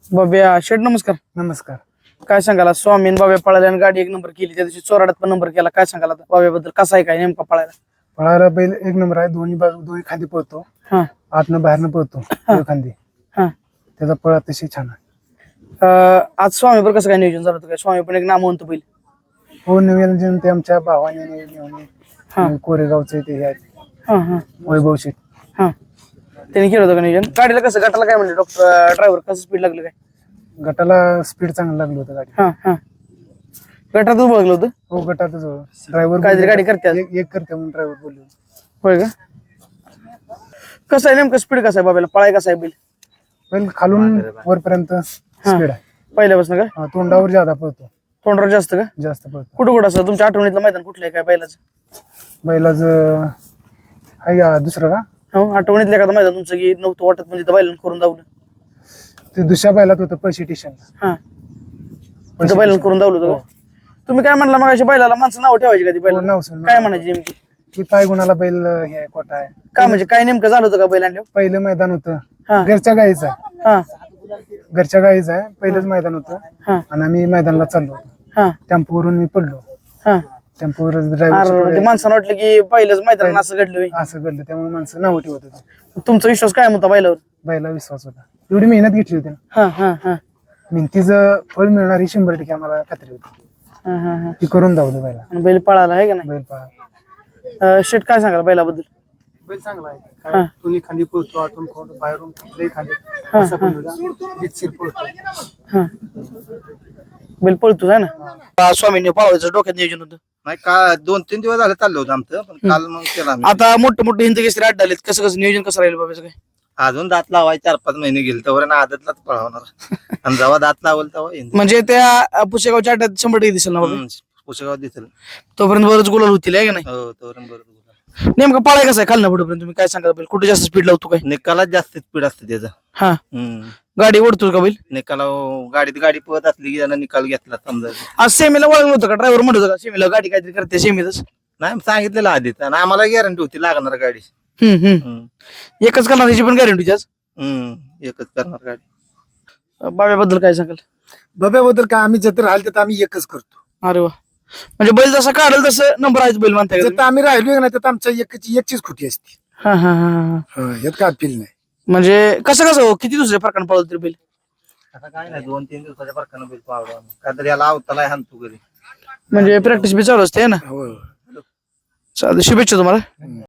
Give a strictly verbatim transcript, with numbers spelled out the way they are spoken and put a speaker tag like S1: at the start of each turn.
S1: बाब्या शेठ नमस्कार.
S2: नमस्कार.
S1: काय सांगाला स्वामीन बाब्या पळाल्या आणि गाडी एक नंबर केली त्या दिवशी चोराड्यात पण नंबर केला. काय सांगाला बाब्याबद्दल कसा आहे काय नेमका पळायला?
S2: पळायला बैल एक नंबर आहे. दोन्ही बाजू दोन्ही खांदी पळतो.
S1: हा
S2: आतनं बाहेरनं पळतो दोन्ही खांदी.
S1: हा
S2: त्याचा पळ अतिशय छान आहे.
S1: अं, आज स्वामीवर कसं काय नियोजन झालं होतं काय? स्वामी पण एक नामवंत बैल.
S2: हो नियोजन ते आमच्या भावाने नियोजन कोरेगावचे ते हे आहेत
S1: हा हा
S2: वैभव शेठ.
S1: हा त्यांनी केलं होतं का नियोजन? गाडीला कसं गटाला काय म्हणले डॉक्टर ड्रायव्हर कसं स्पीड लागलं काय?
S2: गटाला स्पीड चांगलं लागलं होतं गाडी.
S1: हा हा गटातच बघलं होतं.
S2: हो गटातच ड्रायव्हर
S1: काहीतरी गाडी करते आज.
S2: एक एक करते म्हणून ड्रायव्हर बोललो.
S1: होय का? कसं आहे नेमकं स्पीड कसं आहे बाब्याला? पळाय कसं आहे बैल?
S2: बैल खालून वरपर्यंत स्पीड आहे.
S1: पहिल्यापासून का?
S2: हा, तोंडावर ज्यादा पळतो.
S1: तोंडावर जास्त का?
S2: जास्त पळतो.
S1: कुठं कुठं असं तुमच्या आठवणीतलं मैदान कुठलं आहे काय बैलाचं?
S2: बैलाच आहे का दुसरं का
S1: हो आठवणीतलं एखादं मैदान तुमचं की नव्हतं वाटत म्हणजे त्या बैलांना करून दावलं.
S2: ते दुसऱ्या बैलात होतं पैसे स्टेशन.
S1: हा तिथं बैलांना करून दावलं होतं का? तुम्ही काय म्हणला मग अशा बैलाला माणसं नाव ठेवायची का ती बैल?
S2: नाव सांग.
S1: काय म्हणायची नेमकी?
S2: की पाय गुणाला बैल हे आहे, कोटा आहे.
S1: काय म्हणजे काय नेमकं झालं होतं का बैल आणल्यावर?
S2: पहिलं मैदान होतं
S1: हा
S2: घरच्या गाईचं आहे.
S1: हा
S2: घरच्या गाईचं आहे. पहिलंच मैदान होतं
S1: हा
S2: आणि आम्ही मैदानाला चाललो होतो.
S1: हा
S2: टेम्पोवरून मी पडलो.
S1: हा
S2: टेम्पोवर
S1: अरे ते
S2: ड्रायव्हर
S1: माणसानं वाटलं की पहिलंच मैदान असं घडलं होय.
S2: असं घडलं त्यामुळे माणसं नाव ठेवत होते.
S1: तुमचा विश्वास काय होता बैलावर?
S2: बैला विश्वास होता. एवढी मेहनत घेतली होती ना.
S1: हा हा हा
S2: मेहनतीचं फळ मिळणार ही शंभर टक्के आम्हाला खात्री होती.
S1: हा हा हा
S2: ती करून दावलं बैला.
S1: आणि बैल पळाला आहे का नाही?
S2: बैल पळा
S1: अं, शेठ काय सांगाल बैलाबद्दल?
S2: बैल चांगला आहे.
S1: हा.
S2: काय दोन्ही खांदी पळतो. आतून खोड बाहेरून कुठलेही खांदी
S1: हा,
S2: असा पण होता. जितशीर पळतो.
S1: हा बैल पळतोच आहे ना? स्वामीने पळवायचं डोक्यात नियोजन होतं.
S3: नाही का दोन तीन दिवस झाले चाललं होतं आमचं पण काल मग केलं आम्ही.
S1: आता मोठे मोठे हिंद केसरी अड्डा आलेत. कसं कसं नियोजन कसं राहील बाबाचं काय?
S3: अजून दात लावाय चार पाच महिने गेले तर आदतलाच पळवणार आणि जेव्हा दात लावल तेव्हा येईन.
S1: म्हणजे त्या पुसेगावच्या अड्ड्यात शंभर टक्के दिसेल ना बाबा?
S3: हम्म, पुसेगाव दिसेल.
S1: तोपर्यंत बरंच गुलाल होतील आहे का नाही?
S3: हो तोपर्यंत बरोबर.
S1: नेमकं पळाय कसं आहे खालना पुढेपर्यंत तुम्ही काय सांगाल? बैल कुठे जास्त स्पीड लावतो काय?
S3: निकालात जास्त स्पीड असते त्याचं.
S1: हा
S3: हम्म
S1: गाडी ओढतो का बैल?
S3: निकाला गाडीत गाडी पळत असली की त्यांना निकाल घेतला समजा.
S1: आज सेमीला वळलं होतं का? ड्रायव्हर म्हणत होता का सेमीला गाडी काहीतरी करते सेमीतच?
S3: नाही सांगितलेलं आधीच आणि आम्हाला गॅरंटी होती लागणार गाडी.
S1: हम्म हम्म
S3: हम्म
S1: एकच करणार त्याची पण गॅरंटी आज.
S3: हम्म एकच करणार गाडी.
S1: बाब्याबद्दल काय सांगाल?
S2: बाब्याबद्दल काय आम्ही जर राहिलं तर आम्ही एकच करतो.
S1: अरे वा म्हणजे बैल जसा काढेल तसं नंबर आहे बैल म्हणताय का
S2: जर
S1: तुम्ही?
S2: आम्ही राहिलो नाही तर आमच्या एकची एकचीच खुटी असते.
S1: हा हा हा हा
S2: यात काय अपील नाही.
S1: म्हणजे कसं कसं हो? किती दुसऱ्या फरकानं पळवलं तरी बैल?
S3: आता काय नाही दोन तीन दिवसाच्या फरकानं बैल पावडा काय तरी याला अवताला हाणतो घरी.
S1: म्हणजे प्रॅक्टिस बी चालू असते है ना?
S2: हो
S1: चालतं शुभेच्छा तुम्हाला.